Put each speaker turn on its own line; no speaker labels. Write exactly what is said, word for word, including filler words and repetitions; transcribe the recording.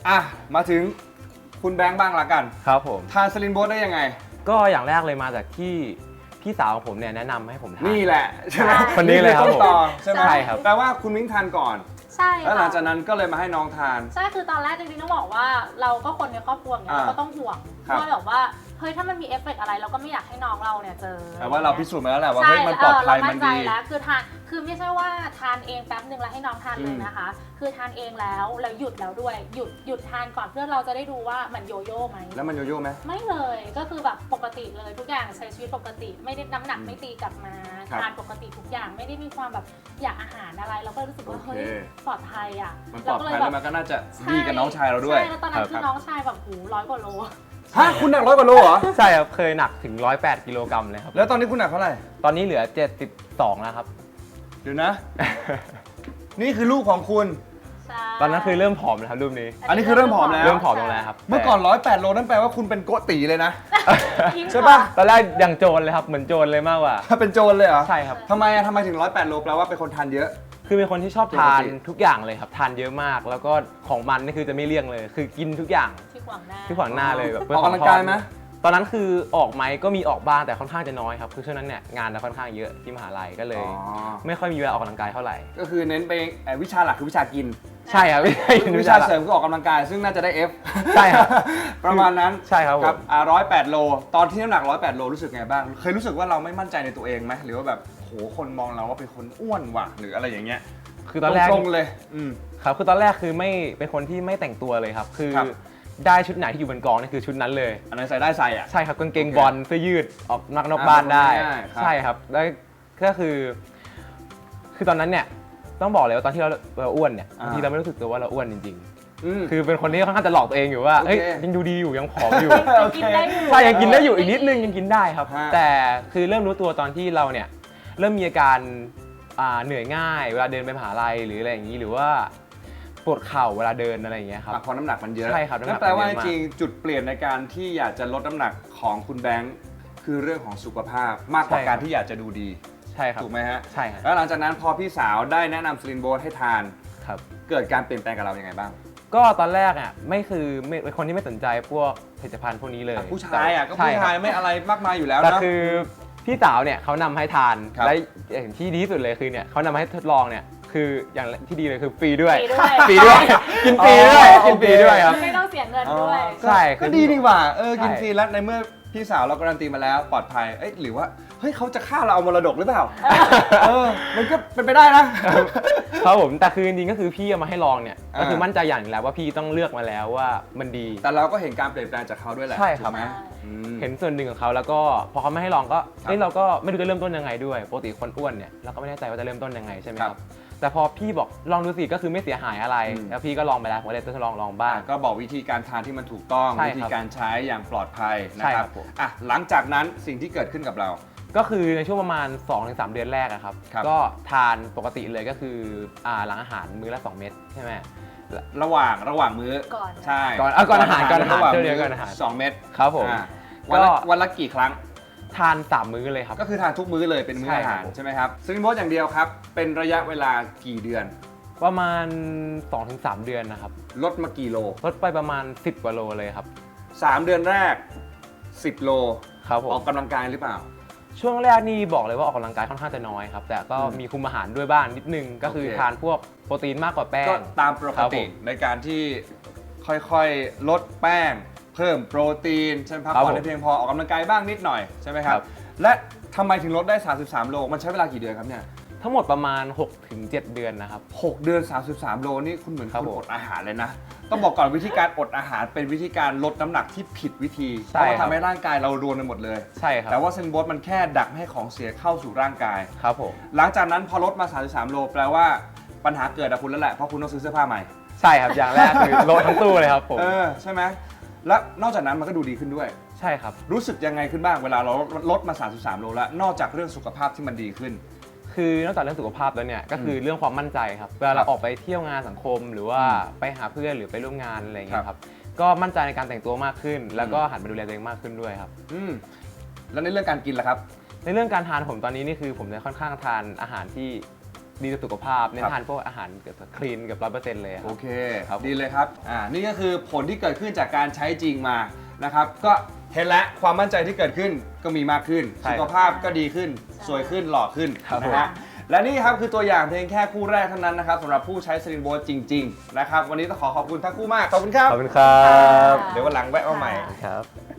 อ่ะมาถึงคุณแบงค์บ้างละกัน
ครับผม
ทานสลินโบสได้ยังไง
ก็อย่างแรกเลยมาจากที่พี่สาวของผมเนี่ยแนะนำให้ผมทาน
นี่แหละใช่ไหม
คนนี้เลยครับ
ต้น
ผม
ตอใช่ไหม
ใช่ครับ
แปลว่าคุณมิ้งทานก่อน
ใช่
แล้วหลัง
ค่ะ
จากนั้นก็เลยมาให้น้องทาน
ใช่คือตอนแรกจริงๆต้องบอกว่าเราก็คนในครอบครัวเนี่ย
อ่า
เราก็ต้องห่วง
ครับ
ว่าแบบว่าเฮ้ยถ้ามันมีเอฟเฟกต์อะไรเราก็ไม่อยากให้น้องเราเนี่ยเจอ
แต่ว่าเราพิสูจน์มาแล้วแหละว่า
ใช่
เฮ้ยมันปลอดภัย
เเรา
มั
มั่
น
นใจ
ดี
แล้วคือทานคือไม่ใช่ว่าทานเองแป๊บนึงแล้วให้น้องทานเลยนะคะ คือทานเองแล้วแล้วหยุดแล้วด้วยหยุดหยุดทานก่อนเพื่อเราจะได้ดูว่ามันโยโย่ไหม
แล้วมันโยโย่ไหม
ไม่เลยก็คือแบบปกติเลยทุกอย่างใช้ชีวิตปกติ ไม่ได้น้ำหนัก
อืม
ไม่ตีกลับมา
ครับ
ทานปกติทุกอย่างไม่ได้มีความแบบอยากอาหารอะไร เราก็รู้สึกว่า
โอเค
เฮ้ยปลอดภัยอ่ะ
มันปลอดภัยแล้วมันก็น่าจะดีกับน้องชายเราด้วย
ใช่แล้วตอนนั้น
ค
คื
รั
อบ น้องชายแบบหูร้อยกว่าโล
ฮะคุณหนักร้อยกว่าโลเหรอ
ใช่ครับเคยหนักถึงหนึ่งร้อยแปดกิโลกรัมเลยครับ
แล้วตอนนี้คุณหนักเท่าไหร่
ตอนนี้เหลือเจ็ดสิบสองแล้วครับ
เดี๋ยวนะ นี่คือลูกของคุณ
ใช่
ตอนนั้นคือเริ่มผอมแล้วครับรูปนี้
อันนี้คือเริ่มผอมแล้ว
เริ่มผอมลงแล้วครับ
เมื่อก่อนร้อยแปดโลนั่นแปลว่าคุณเป็นโกตีเลยนะ
ยิ่ง
ใช่ปะ
ตอนแรกยังโจรเลยครับเหมือนโจรเลยมากกว่า
เป็นโจรเลยเหรอ
ใช่ครับ
ทำไมอะทำไมถึงร้อยแปดโลแปลว่าเป็นคนทานเยอะ
คือเป็นคนที่ชอบทานทุกอย่างเลยครับทานเยอะมาก แล้วก็ของมันนี่คือจะไม่เลี่ยงเลย คือกินทุกอย่าง
ที่ขวางหน้า
ที่ขวางหน้าเลยแบบ
ออกกำลังกายไหม
ตอนนั้นคือออกไหมก็มีออกบ้างแต่ค่อนข้างจะน้อยครับคือช่วงนั้นเนี่ยงานจะค่อนข้างเยอะที่มหาลัยก็เลย
อ๋อ
ไม่ค่อยมีเวลาออกกำลังกายเท่าไหร่
ก็คือเน้นไปเอ่อวิชาหลักคือวิชากิน
ใช่ครับไม่ใช่
วิชาเสริมคือออกกำลังกาย ซึ่งน่าจะได้ F
ใช่ครับ
ประมาณนั้น
ใช่ครับผม
อ่าร้อยแปดโล ตอนที่น้ำหนักร้อยแปดโลรู้สึกไงบ้าง เคยรู้สึกว่าเราไม่มั่นใจในตัวเองไหมหรือว่าแบบโหคนมองเราว่าเป็นคนอ้วนว่ะหรืออะไรอย่างเงี้ย
คือตอนแรก
ตรงๆเลยอืม
ครับคือตอนแรกคือไม่เป็นคนที่ไม่แต่งตัวเลยครับ คือ
ครับ
ได้ชุดไหนที่อยู่บนกองนี่คือชุดนั้นเลย
อันนั้นใส่ได้ใส่อ่ะ
ใช่ครับกางเกง
โอเค
บอลเสื้อยืดออกนอกนอกบ้านได้
ง่ายๆครับ
ใช่ครับแล้วก็คือ คือตอนนั้นเนี่ยต้องบอกเลยว่าตอนที่เราเราอ้วนเนี่ยบางทีเราไม่รู้สึกตัวว่าเราอ้วนจริง
อืม
ๆ คือเป็นคนที่ค่อนข้างจะหลอกตัวเองอยู่ว่า
โอเค
เอ้ยยังดูดีอยู่ยังผอมอยู่
โอ
ยัง
เค
กินได้อยู่
ใช่ยังกินได้อยู่อีกนิดนึงยังกินได้ครับ
ฮะ
แต่คือเริ่มรู้ตัวตอนที่เราเนี่ยเริ่มมีอาการอ่าเหนื่อยง่าย เวลาเดินไปมหาลัยหรืออะไรอย่างนี้หรือว่าปวดเข่าเวลาเดินอะไรอย่างเงี้ยครับ
อ่ะเพราะน้ำหนักมันเยอะ
ใช่ครับน้ำหนัก
นั่นแปลว่า
มันเยอะมาก
จริงๆจุดเปลี่ยนในการที่อยากจะลดน้ำหนักของคุณแบงค์คือเรื่องของสุขภาพมากกว่าการที่อยากจะดูดี
ใช่ครับ
ถูกไหมฮะ
ใช่ครับ
แล้วหลังจากนั้นพอพี่สาวได้แนะนำสลินโบสให้ทาน
ครับ
เกิดการเปลี่ยนแปลงกับเรายังไงบ้าง
ก็ตอนแรกอ่ะไม่คือไม่เป็นคนที่ไม่สนใจพวกผลิตภัณฑ์พวกนี้เลย
อ่ะผู้ชายอ่ะก็
ใช่
ผู้
ค
ชาย
รับ
ไม่อะไรมากมายอยู่แล้ว
แต่
นะ
คือพี่สาวเนี่ยเขานำให้ทาน
ครับ
และอย่างที่ดีที่สุดเลยคือเนี่ยเขานำมาให้ทดลองเนี่ยคืออย่างที่ดีเลยคือฟรีด้วย
ฟรีด้วย
ฟรีด้วยกินฟรีด้วย
อ๋อ
กินฟรีด้วยครับ
ไม่ต้องเสียเงินด้วย
ใช่
ก็ดีดีกว่าเออ
ใช่
กินฟรีแล้วในเมื่อพี่สาวเราการันตีมาแล้วปลอดภัยเอ้ยหรือว่าเฮ้ยเขาจะฆ่าเราเอามรดกหรือเปล่าเออมันก็เป็นไปได้นะ
ครับผมแต่คือจริงๆก็คือพี่เอามาให้ลองเนี่ย
อ่า
ก็คือมั่นใจอย่างหนึ่งแล้วว่าพี่ต้องเลือกมาแล้วว่ามันดี
แต่เราก็เห็นการเปลี่ยนแปลงจากเขาด้วยแหละ
ใช่ครับ
ถูกไหมอืม
เห็นส่วนหนึ่งของเขาแล้วก็พอเขาไม่ให้ลองก็
ครับ
เอ้ยเราก็ไม่รู้จะเริ่มต้นยังไงด้วยปกติคนอ้วนเนี่ยเราก็ไม่แน่ใจว่าจะเริ่มต้นยังไงใช่ไหมค
ครั
รับบ แต่พอพี่บอกลองดูสิก็คือไม่เสียหายอะไร
อืม
แล้วพี่ก็ลองไปแล้วผมก็เลยทดลองลองบ้าง
อ่ะก็บอกวิธีการทานที่มันถูกต้อง
ใช่
วิ
ครับ
ธีการใช้อย่างปลอดภัยนะ
ใช่
ค
ครั
รับบ
ผม
อ่ะหลังจากนั้นสิ่งที่เกิดขึ้นกับเรา
ก็คือในช่วงประมาณ สองถึงสาม เดือนแรกอะครับ
ครับ
ก็ทานปกติเลยก็คืออ่าหลังอาหารมื้อละสองเม็ดใช่ไหม
ระหว่างระหว่างมื้อ
ก่อน
ใช่
ก่อนเอาก่อนอาหารก่อนอาหาร
ระหว่าง
เดี๋ยว
มื้
ก่อนอาหาร
สองเม็ด
ครับผม
อ่ะวันละ
ก็
วันละกี่ครั้ง
ทานสามมื้อเลยครับ
ก็คือทานทุกมื้อเลยเป็นมื้อ
ใช่
อา
ครับ
หารใช่ไหมครับซึ่งโบสอย่างเดียวครับ เป็นระยะเวลากี่เดือน
ประมาณ สองถึงสาม เดือนนะครับ
ลดมากี่โล
ลดไปประมาณสิบกว่าโลเลยครับ
สามเดือนแรกสิบโล
ครับผ
ออ
ม
กกำลังกายหรือเปล่า
ช่วงแรกนี่บอกเลยว่าออกกำลังกายค่อนข้างจะน้อยครับ แต่ก็
อืม
มีคุมอาหารด้วยบ้างนิดนึง ก็คือ
โอเค
ทานพวกโปรตีนมากกว่าแป้
ก็
ง
ตามป
ครั
ก
บ
ติ
ผม
ในการที่ค่อยๆ ลดแป้ง เพิ่มโปรตีนใช่ไหมพัก
ครับ
ผ่อน
ผม
ให้เพียงพอออกกำลังกายบ้างนิดหน่อยใช่ไหมครับ
ครับ
และทำไมถึงลดได้ สามสิบสาม โล มันใช้เวลากี่เดือนครับเนี่ย
ทั้งหมดประมาณ หกถึงเจ็ด เดือนนะครับ
หกเดือน สามสิบสาม โลนี่คุณเหมือน
ครับ
คุณ
ผม
อดอาหารเลยนะ ต้องบอกก่อนวิธีการอดอาหารเป็นวิธีการลดน้ำหนักที่ผิดวิธีเพ
ใช่
ราะว่า
ครับ
ทำให้ร่างกายเรารวนไปหมดเลย
ใช่ครับ
แต่ว่าเซนโบสมันแค่ดักไม่ให้ของเสียเข้าสู่ร่างกาย
ครับผม
หลังจากนั้นพอลดมา สามสิบสาม โลแปลว่าปัญหาเกิดกับคุณแล้วแหละเพราะคุณต้องซื้อเสื้อผ้าใหม่
ใช่ครับอย่างแรกคือลดทั้งตู้เลยครับผม
เออใช่ไหมและนอกจากนั้นมันก็ดูดีขึ้นด้วย
ใช่ครับ
รู้สึกยังไงขึ้นบ้างเวลาเราลดมา สามสิบสาม โลแล้วนอกจากเรื่องสุขภาพที่มันดีขึ้น
คือนอกจากเรื่องสุขภาพแล้วเนี่ยก็คือเรื่องความมั่นใจครับเวลา
ครั
เรา
บ
ออกไปเที่ยวงานสังคม หรือว่า
อืม
ไปหาเพื่อนหรือไปร่วมงานอะไรอย่างเงี้
ครั
ย
บ
ครับก็มั่นใจในการแต่งตัวมากขึ้น แล้วก็หันมาดูแลตัวเองมากขึ้นด้วยครับ
อืมแล้วในเรื่องการกินล่ะครับ
ในเรื่องการทานผมตอนนี้นี่คือผมจะค่อนข้างทานอาหารที่ดีต่อสุขภาพเน้
ครั
น
บ
ทานพวกอาหารเกือบคลีนเกือบร้อยเปอร์เซ็นต์เลยค
โอ
รับ
เค
ครับ
ดีเลยครับอ่านี่ก็คือผลที่เกิดขึ้นจากการใช้จริงมานะครับก็เห็นแล้วความมั่นใจที่เกิดขึ้นก็มีมากขึ้น
ใช่
สุขภาพก็ดีขึ้น
ใช่
สวยขึ้นหล่อขึ้น
ครับ
นะฮะและนี่ครับคือตัวอย่างเพียงแค่คู่แรกเท่านั้นนะครับสำหรับผู้ใช้สลิงโบจริงๆนะครับวันนี้ต้องขอขอบคุณทั้งคู่มากขอบคุณครับ
ขอบคุณครับ
เดี๋ยววันหลังแวะมาใหม่
ครับ